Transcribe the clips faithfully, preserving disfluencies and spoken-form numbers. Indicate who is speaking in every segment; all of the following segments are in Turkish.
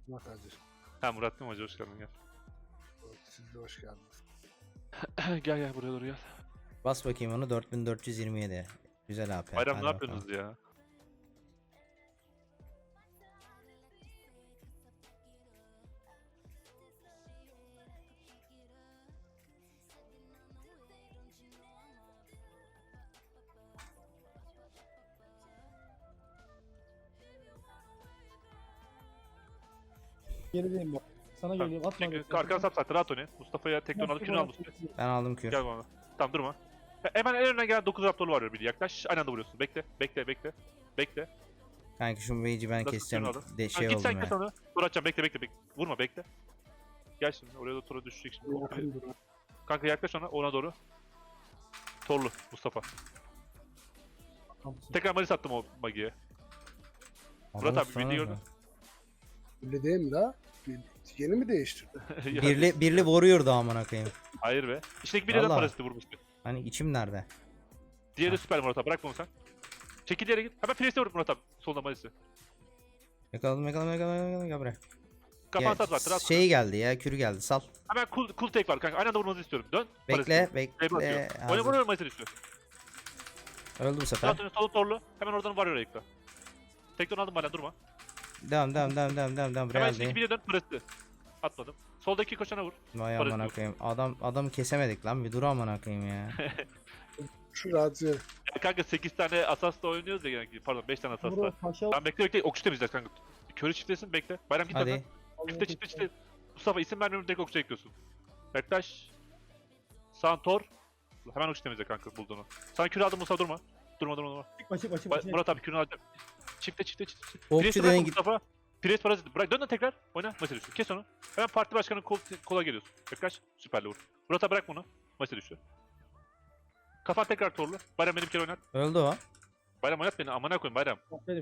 Speaker 1: Murat Hacı.
Speaker 2: Ha Murat değil mi hacı, hoş geldin gel.
Speaker 1: Siz de hoş geldiniz.
Speaker 2: Gel gel buraya doğru gel.
Speaker 3: Bas bakayım onu, dört bin dört yüz yirmi yedi. Güzel A P.
Speaker 2: Bayram
Speaker 3: Hadi
Speaker 2: ne
Speaker 3: bakalım.
Speaker 2: yapıyorsunuz ya?
Speaker 4: Gerideyim bak. Sana geleyim atma.
Speaker 2: Çünkü arkana sap zaten rahat oyna. Mustafa'ya tekton alıp kürünü al Mustafa.
Speaker 3: Ben aldım kür.
Speaker 2: Gel bana. Tamam durma. He- Hemen en önüne gelen dokuz raptorlu var bir yaklaş. Aynı anda vuruyorsun. Bekle bekle bekle. Bekle.
Speaker 3: Kanka şu mage'i ben
Speaker 2: Nasıl
Speaker 3: keseceğim.
Speaker 2: kürünü
Speaker 3: De
Speaker 2: Ha,
Speaker 3: şey
Speaker 2: git sen
Speaker 3: oldum
Speaker 2: kes
Speaker 3: ya.
Speaker 2: onu. Dur atacağım bekle bekle bekle. Vurma bekle. Gel şimdi oraya da tora düşecek şimdi.
Speaker 1: Yakın durun.
Speaker 2: Kanka yaklaş ona ona doğru. Torlu Mustafa. Tekrar malis attım o magiye. Murat
Speaker 3: Adam
Speaker 2: abi,
Speaker 3: sonra
Speaker 2: video
Speaker 3: da-
Speaker 2: gördün.
Speaker 1: Öyle değil mi la? Bir- Yeni mi değiştirdi?
Speaker 2: Ya,
Speaker 3: Birli, birli vuruyordu amına koyayım.
Speaker 2: Hayır be. İçindeki biri de
Speaker 3: Vallahi.
Speaker 2: paraziti vurmuştu.
Speaker 3: Hani içim nerede?
Speaker 2: Diğeri de
Speaker 3: Ha.
Speaker 2: süper Murat abi. Bırak bunu sen. Çekil yere git. Hemen Priest'e vur Murat abi. Solda malisi.
Speaker 3: Yakaladım yakaladım yakaladım yakaladım. Gel buraya.
Speaker 2: Kafanı
Speaker 3: Ya,
Speaker 2: sat var. Rahat.
Speaker 3: şey geldi ya, kürü geldi, sal.
Speaker 2: Hemen cool, cool take var kanka. Aynı anda vurmanızı istiyorum. Dön.
Speaker 3: Bekle
Speaker 2: Play
Speaker 3: bekle.
Speaker 2: atıyor. Oyna
Speaker 3: Hazır.
Speaker 2: vuruyor malisi düşüyor.
Speaker 3: Öldü bu sefer.
Speaker 2: Rahat oyna. Solu torlu. Hemen oradan var oraya yıkla. Tekton aldım hala durma.
Speaker 3: Devam devam devam devam devam devam.
Speaker 2: Hemen
Speaker 3: Buraya
Speaker 2: içindeki
Speaker 3: geldi.
Speaker 2: biriye dön. Priest'e. Atmadım. Soldaki koşana vur.
Speaker 3: Vay
Speaker 2: Parası
Speaker 3: amına
Speaker 2: yok.
Speaker 3: koyayım. Adam adamı kesemedik lan, bir dur amına koyayım ya.
Speaker 1: Şu Hacı.
Speaker 2: Ya kanka sekiz tane asasla oynuyoruz ya genellikle. Pardon beş tane asasla.
Speaker 4: Bro paşa
Speaker 2: Tamam bekle bekle. Okçu temizleyeceğiz kanka. Körü çiftlesin bekle. Bayram git
Speaker 3: Hadi.
Speaker 2: önden. Çifte çifte çifte. Mustafa isim vermiyorum, direkt okçu ekliyorsun. Yaklaş. Santor. Hemen okçu temizle kanka bulduğunu. Sana kür aldım Mustafa, durma. Durma durma durma.
Speaker 4: Çıkma çıkma çıkma.
Speaker 2: Ba- Murat abi kürünü alacağım. Çifte çifte çifte.
Speaker 3: Okçu
Speaker 2: Priest'e
Speaker 3: denen
Speaker 2: bırak
Speaker 3: git.
Speaker 2: Mustafa. Priest parazit. Bırak dön de tekrar. Oyna. Maça düştü. Kes onu. Hemen parti başkanının kol, kola geliyorsun. Yaklaş. Süperle vur. Murat abi bırak bunu. Maça düştü. Kafan tekrar torlu. Bayram beni bir kere oynat.
Speaker 3: Öldü o.
Speaker 2: Bayram oynat beni. Amına koyayım Bayram.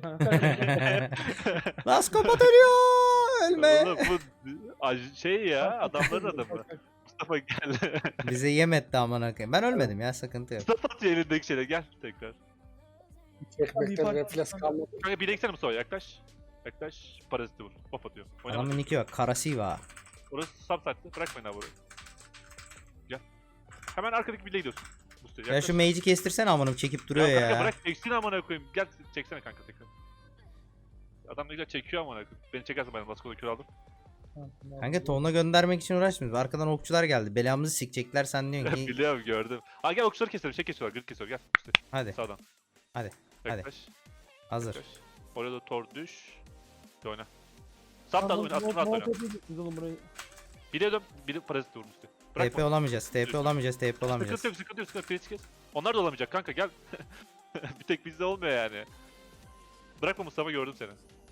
Speaker 3: Las kapat ölüyor. Ölme.
Speaker 2: Oğlum bu aj- şey ya, adamların adamı. Mustafa gel.
Speaker 3: Bize yem etti amına koyayım. Ben ölmedim ya, sıkıntı yok.
Speaker 2: Mustafa atıyor elindeki şeyle, gel tekrar.
Speaker 1: Çekmekten refleks kalmadı.
Speaker 2: Kanka bir eksene Mustafa, yaklaş. Yaklaş, paraziti vur. Pop atıyor. Oynama.
Speaker 3: Adamın iki var. Karasiva.
Speaker 2: Orası subsite'lı, bırakmayın abi orayı. Gel. Hemen arkadaki birliğe gidiyorsun. Mustafa
Speaker 3: Ya
Speaker 2: yaklaş.
Speaker 3: şu mage'i kestirsene amınım, çekip duruyor
Speaker 2: ya. Kanka
Speaker 3: ya.
Speaker 2: bırak çeksin amına koyayım. Gel çeksene kanka tekrar. Adam ne güzel çekiyor amına koyayım. Beni çekersin ben Lasko'da kür aldım.
Speaker 3: Kanka tonuna göndermek için uğraşmıyoruz. Arkadan okçular geldi. Belamızı sikecekler, sen diyorsun ki.
Speaker 2: Biliyorum gördüm. Aa gel okçuları keselim, şey kesiyorlar, grid kesiyorlar, gel. İşte
Speaker 3: Hadi
Speaker 2: sağdan.
Speaker 3: Hadi, hadi.
Speaker 2: Yaklaş.
Speaker 3: hazır.
Speaker 2: Yaklaş. Oraya da tor düş. Bir oyna. Sap da oyna, atın rahat oyna.
Speaker 4: Biz oğlum burayı.
Speaker 2: Biri dön, biri parazit vurmuştu.
Speaker 3: T P olamayacağız. T P olamayacağız. T P olamayacağız.
Speaker 2: Sıkıntı yok, sıkıntı yok, sıkıntı yok. Pirits kes. Onlar da olamayacak kanka, gel. Bir tek bizde olmuyor yani. Bırakma Mustafa, gördüm seni.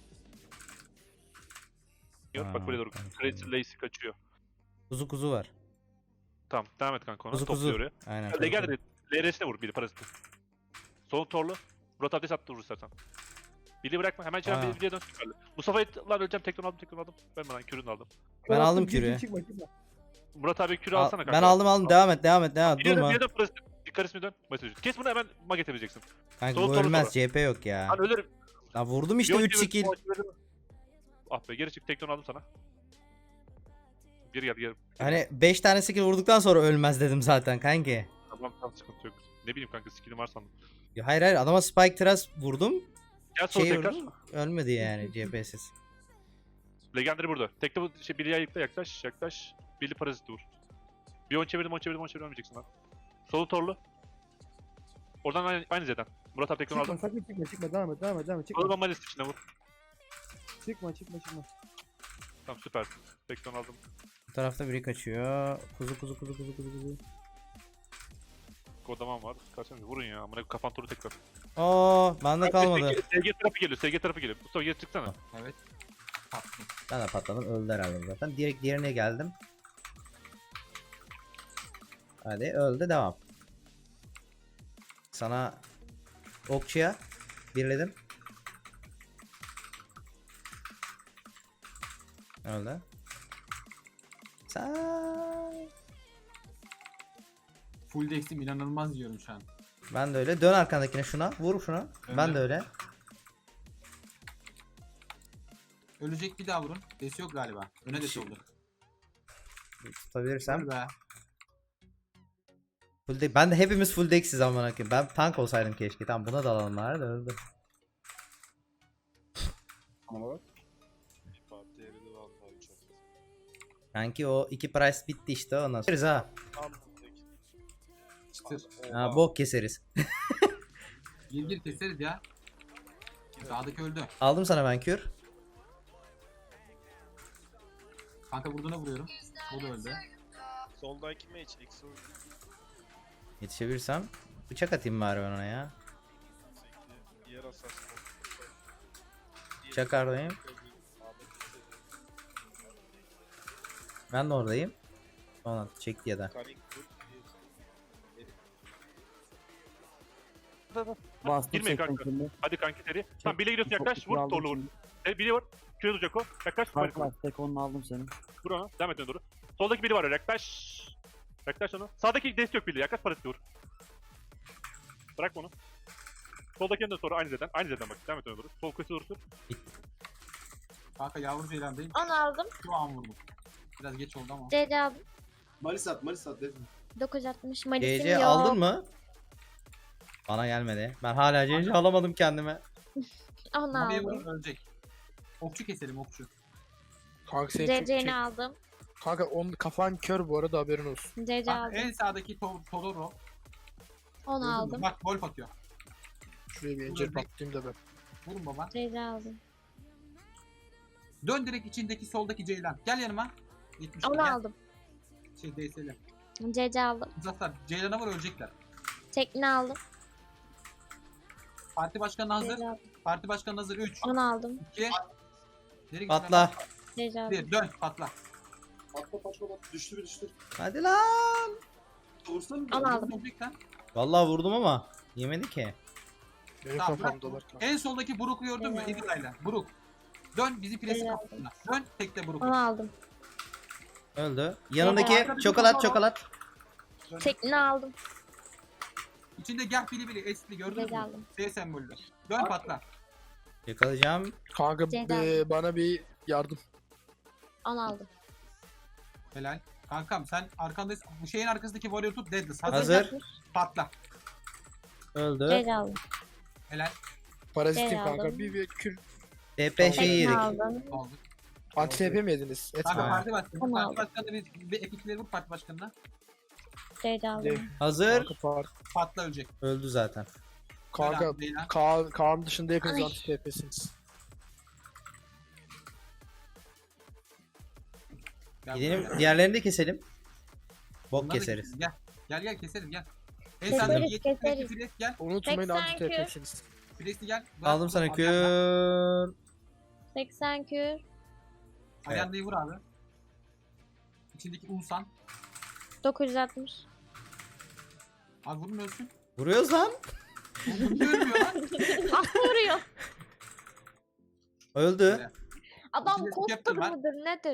Speaker 2: Yok bak
Speaker 3: Aa,
Speaker 2: buraya doğru.
Speaker 3: tamam.
Speaker 2: Crazy Lacy kaçıyor.
Speaker 3: Kuzu kuzu var.
Speaker 2: Tamam, devam et kanka ona.
Speaker 3: Kuzu
Speaker 2: Topluyor
Speaker 3: kuzu.
Speaker 2: oraya.
Speaker 3: Aynen.
Speaker 2: Legend de L R'sine vur, biri parazit. Solun torlu. Murat abi sattı, vur istersen. Bili bırakma, hemen içeri
Speaker 3: Aa.
Speaker 2: bir videoya dön süperli. Mustafa'yı lan öleceğim, tekrar aldım, tekrar aldım. Ben bana kürünü aldım.
Speaker 3: Ben aldım
Speaker 4: Çıkma,
Speaker 3: kürü.
Speaker 4: Çıkma çıkma.
Speaker 2: Murat abi kürü
Speaker 3: Al-
Speaker 2: alsana kanka.
Speaker 3: ben aldım aldım. Devam et devam et devam et.
Speaker 2: Bir de
Speaker 3: Durma.
Speaker 2: bir de parazit. Bir karismi dön. Mesaj. Kes bunu, hemen maget edeceksin.
Speaker 3: Kanka
Speaker 2: Sol,
Speaker 3: bu
Speaker 2: sol,
Speaker 3: ölmez.
Speaker 2: sol.
Speaker 3: C P yok ya.
Speaker 2: Lan ölürüm.
Speaker 3: Lan vurdum işte
Speaker 2: Yok,
Speaker 3: üç
Speaker 2: evet,
Speaker 3: skill.
Speaker 2: bu acı- Ah be, geri çık, tekton aldım sana. Geri gel geri.
Speaker 3: Hani beş tane skill vurduktan sonra ölmez dedim zaten kanki.
Speaker 2: Tamam tamam, sıkıntı yok. Ne bileyim kanka, skill'im var sandım.
Speaker 3: Ya hayır hayır, adama spike thrust vurdum.
Speaker 2: Gel sol
Speaker 3: Şey
Speaker 2: tekrar.
Speaker 3: vurdum. Ölmedi yani C P'siz.
Speaker 2: Legendary burada. Tekte bu şey, biri ayıkla, yaklaş yaklaş. Biri parazit vur. Bir on çevirdim, on çevirdim, on çevirdim, ölmeyeceksin lan. Solu torlu. Oradan aynı, aynı zeden. Murat abi tekrar
Speaker 4: Çıkma
Speaker 2: aldım.
Speaker 4: sakın çıkma çıkma devam et devam et devam et
Speaker 2: Solu
Speaker 4: çıkma.
Speaker 2: bomba list içine vur.
Speaker 4: Çıkma çıkma çıkma.
Speaker 2: Tamam süper. Tekton aldım.
Speaker 3: Bu tarafta biri kaçıyor. Kuzu kuzu kuzu kuzu kuzu kuzu.
Speaker 2: Kodaman var. Kaçın vurun ya. Amına kafan turu tekrar.
Speaker 3: Oo, bende kalmadı.
Speaker 2: S G tarafı geliyor. S G tarafı geliyor. Mustafa geri çıksana.
Speaker 5: Evet. Tatlım.
Speaker 3: Ben de patladım, öldü herhalde zaten. Direkt diğerine geldim. Hadi öldü, devam. Sana okçuya birledim. Öldü. Sen
Speaker 5: Full dex'im inanılmaz yiyorum şu an.
Speaker 3: ben de öyle. Dön arkandakine, şuna vur şuna. Ben de öyle.
Speaker 5: Ölecek bir daha vurun. Desi yok galiba. Öne desi oldu.
Speaker 3: Tutabilirsem.
Speaker 5: Vur be.
Speaker 3: Full de- ben de hepimiz full dex'iz amına koyayım. Ben tank olsaydım keşke. Tamam buna da alanlar da öldü.
Speaker 1: Ama bak.
Speaker 6: Parti eridi vallahi çok.
Speaker 3: Kanki o iki price bitti işte ondan sonra. Keseriz ha.
Speaker 6: Tam buradaki.
Speaker 5: Çıtır.
Speaker 3: Ha bok keseriz.
Speaker 5: Gir gir keseriz ya. Sağdaki öldü.
Speaker 3: Aldım sana ben kür.
Speaker 5: Kanka vurduğuna vuruyorum. O da öldü.
Speaker 6: Soldaki mage X'in
Speaker 3: Yetişebilirsem. Bıçak atayım bari ben ona ya.
Speaker 6: diğer asasın.
Speaker 3: Çakardayım. Ben de oradayım. Ona çekti ya da.
Speaker 6: Kanik dur.
Speaker 4: Bastım
Speaker 2: Girmeyin
Speaker 4: seksen
Speaker 2: kanka.
Speaker 4: şimdi.
Speaker 2: Hadi kanki seri. Tamam bile gidiyorsun yaklaş.
Speaker 4: Çok
Speaker 2: Vur
Speaker 4: aldım
Speaker 2: torlu vur.
Speaker 4: şimdi.
Speaker 2: E, biri var. Küre duracak o. Yaklaş.
Speaker 4: Fark
Speaker 2: Vur.
Speaker 4: var. Tek onu aldım senin.
Speaker 2: Vur ona. Devam et öne doğru. Soldaki biri var. Yaklaş. Yaklaş onu. Sağdaki dest yok biri. Yaklaş parası vur. Bırak onu. Soldaki de sonra aynı zeden. Aynı zeden bak. Devam et öne doğru. Sol köşe vursun.
Speaker 5: Kanka yavru ceylandayım.
Speaker 7: Onu aldım.
Speaker 5: Şu an vurdum. Biraz geç oldu ama.
Speaker 7: C C aldım.
Speaker 8: Malis at, Malis at dedim.
Speaker 7: dokuz yüz altmış
Speaker 3: C
Speaker 7: Malis'im
Speaker 3: C
Speaker 7: yok.
Speaker 3: aldın mı? Bana gelmedi. Ben hala C C alamadım kendime.
Speaker 7: Onu
Speaker 5: Maviye
Speaker 7: aldım.
Speaker 5: vurun ölecek. Okçu keselim okçu.
Speaker 1: Kanka sen
Speaker 7: C
Speaker 1: çok
Speaker 7: C'ni
Speaker 1: çek.
Speaker 7: aldım.
Speaker 1: Kanka on kafan kör bu arada haberin olsun.
Speaker 7: C C
Speaker 5: Bak,
Speaker 7: aldım.
Speaker 5: en sağdaki to Todoro.
Speaker 7: Onu
Speaker 5: Gördün mü?
Speaker 7: aldım.
Speaker 5: Bak golf atıyor.
Speaker 1: Şuraya bir incir patlayayım da ben.
Speaker 5: Vurun baba.
Speaker 7: C C aldım.
Speaker 5: Dön direkt içindeki soldaki ceylan. Gel yanıma. yetmiş
Speaker 7: Onu
Speaker 5: gel.
Speaker 7: aldım.
Speaker 5: Şey D S'li.
Speaker 7: C C aldım.
Speaker 5: Uzatlar. Ceylan'a vur ölecekler.
Speaker 7: Tekne aldım.
Speaker 5: Parti başkanı
Speaker 7: C
Speaker 5: hazır.
Speaker 7: C aldım.
Speaker 5: Parti başkanı hazır. üç,
Speaker 7: Onu aldım.
Speaker 5: iki, Nereye
Speaker 3: Patla.
Speaker 7: C C aldım.
Speaker 5: bir, dön patla.
Speaker 8: Patla patla patla. Düştü bir düştü.
Speaker 3: Hadi lan.
Speaker 8: Vursana mı?
Speaker 7: Onu aldım.
Speaker 5: Ölecekten.
Speaker 3: Vallahi vurdum ama yemedi ki.
Speaker 1: Benim
Speaker 5: Tamam, bırak.
Speaker 1: kafamdalar kanka.
Speaker 5: En soldaki Brook'u gördün mü?
Speaker 7: Evet.
Speaker 5: Eagle'ayla. Brook. Dön bizi presi
Speaker 7: Evet.
Speaker 5: kapısına. Dön tekte Brook'u.
Speaker 7: Onu aldım.
Speaker 3: Öldü. Yanındaki
Speaker 5: Evet.
Speaker 3: çokolat çokolat.
Speaker 7: Tekne aldım.
Speaker 5: İçinde gel bili bili esli gördünüz
Speaker 7: C C
Speaker 5: mü?
Speaker 7: aldım.
Speaker 5: S sembolü. Dön patla.
Speaker 3: Yakalayacağım.
Speaker 1: Kanka
Speaker 7: Ceyda.
Speaker 1: be- bana bir yardım.
Speaker 7: Onu aldım.
Speaker 5: Helal. Kankam sen arkandayız. Bu şeyin arkasındaki warrior tut deadless. Hazır.
Speaker 3: Hazır.
Speaker 5: Patla.
Speaker 3: Öldü.
Speaker 7: C C aldım.
Speaker 5: Helal.
Speaker 1: Parazitim
Speaker 7: Ceyda
Speaker 1: kanka.
Speaker 7: aldım.
Speaker 1: Bir bir kür.
Speaker 3: T P şeyi
Speaker 7: Tekne
Speaker 3: yedik.
Speaker 7: aldım.
Speaker 5: Oldu.
Speaker 1: Anti T P mi yediniz?
Speaker 5: Kanka
Speaker 1: Etme.
Speaker 3: Aynen.
Speaker 5: parti başkanı.
Speaker 7: Tamam.
Speaker 5: Parti başkanı bir, bir epikleri vur parti başkanına.
Speaker 7: C C aldım.
Speaker 1: De-
Speaker 3: Hazır.
Speaker 1: Kanka par.
Speaker 5: Patla ölecek.
Speaker 3: Öldü zaten.
Speaker 1: Kanka
Speaker 5: Helal, Ceylan.
Speaker 1: Kaan, Kaan dışında hepiniz
Speaker 7: Ay.
Speaker 1: anti T P'siniz.
Speaker 5: Gel
Speaker 3: Gidelim
Speaker 5: buraya.
Speaker 3: diğerlerini de keselim. Bok
Speaker 5: Bunları
Speaker 3: keseriz.
Speaker 5: Gel. Gel gel keseriz gel. En
Speaker 7: Keseriz,
Speaker 5: sağdaki yetmiş
Speaker 7: keseriz.
Speaker 5: Fres gel.
Speaker 1: Unutmayın anti T
Speaker 7: seksen
Speaker 1: P'siniz.
Speaker 5: Fres'i gel.
Speaker 3: Aldım sana kür.
Speaker 7: seksen kür.
Speaker 5: Ayandayı vur abi. İçindeki Unsan.
Speaker 7: dokuz yüz altmış.
Speaker 5: Abi vurun ölsün.
Speaker 3: Vuruyoruz lan.
Speaker 5: Oğlum niye ölmüyor lan?
Speaker 7: Ah vuruyor.
Speaker 3: Öldü.
Speaker 7: Adam
Speaker 5: İçinde
Speaker 7: koster
Speaker 5: Captain var.
Speaker 7: mıdır nedir?